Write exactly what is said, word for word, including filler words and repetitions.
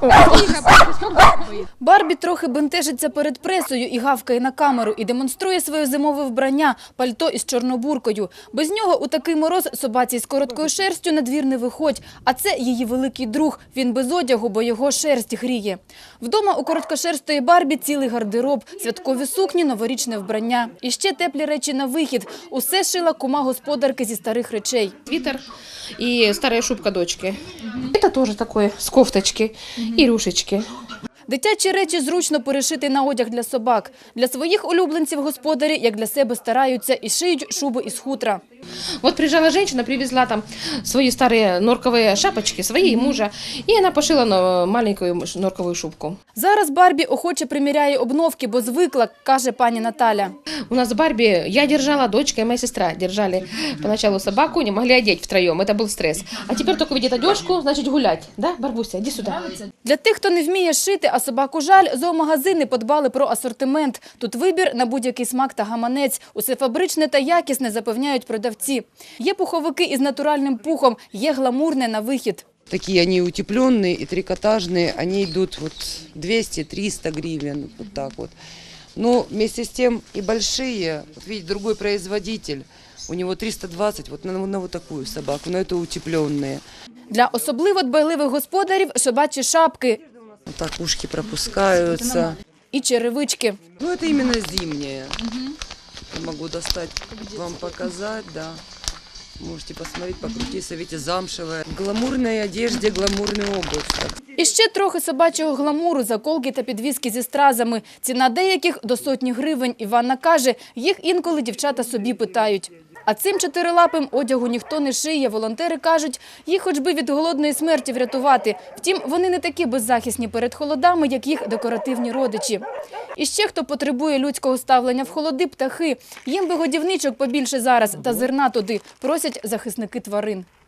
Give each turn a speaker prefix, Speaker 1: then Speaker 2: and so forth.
Speaker 1: Барбі трохи бентежиться перед пресою і гавкає на камеру, і демонструє своє зимове вбрання – пальто із чорнобуркою. Без нього у такий мороз собаці з короткою шерстю на двір не виходь. А це її великий друг. Він без одягу, бо його шерсть гріє. Вдома у короткошерстої Барбі цілий гардероб, святкові сукні, новорічне вбрання. І ще теплі речі на вихід. Усе шила кума господарки зі старих речей.
Speaker 2: Свитер и старая шубка дочки. Это тоже такое, с кофточки и рюшечки.
Speaker 1: Дитячі речі зручно перешити на одяг для собак. Для своїх улюбленців господарі, як для себе, стараються і шиють шуби із хутра.
Speaker 2: Вот приезжала женщина, привезла там свои старые норковые шапочки, свои и мужа, и она пошила на маленькую норковую шубку.
Speaker 1: Зараз Барбі охоче приміряє обновки, бо звикла, каже пані Наталя.
Speaker 2: У нас Барби, я держала, дочка и моя сестра держали поначалу собаку, не могли одеть втроем, это был стресс. А теперь только видит одежку, значит гулять, да, Барбуся, иди сюда.
Speaker 1: Для тих, хто не вміє шити, а собаку жаль, зоомагазини подбали про асортимент. Тут вибір на будь-який смак та гаманець. Усе фабричне та якісне, запевняють продавці. Є пуховики із натуральним пухом, є гламурне на вихід.
Speaker 3: Такие они утепленные и трикотажные, они идут вот двести-триста гривен, вот так вот. Но вместе с тем и большие, вот видите, другой производитель, у него триста двадцать вот на, на вот такую собаку, но это утепленные.
Speaker 1: Для особливо дбайливих господарів собачі шапки
Speaker 3: Вот так ушки пропускаются.
Speaker 1: і черевички.
Speaker 3: Ну это именно зимние. Я могу достать, вам показать, да. Можете посмотреть, покрутиться, видите, замшевая. В гламурной одежде, гламурный обувь. Так.
Speaker 1: І ще трохи собачого гламуру, заколки та підвіски зі стразами. Ціна деяких до сотні гривень. Іванна каже, їх інколи дівчата собі питають. А цим чотирилапим одягу ніхто не шиє. Волонтери кажуть, їх хоч би від голодної смерті врятувати. Втім, вони не такі беззахисні перед холодами, як їх декоративні родичі. І ще хто потребує людського ставлення в холоди – птахи. Їм би годівничок побільше зараз та зерна туди, просять захисники тварин.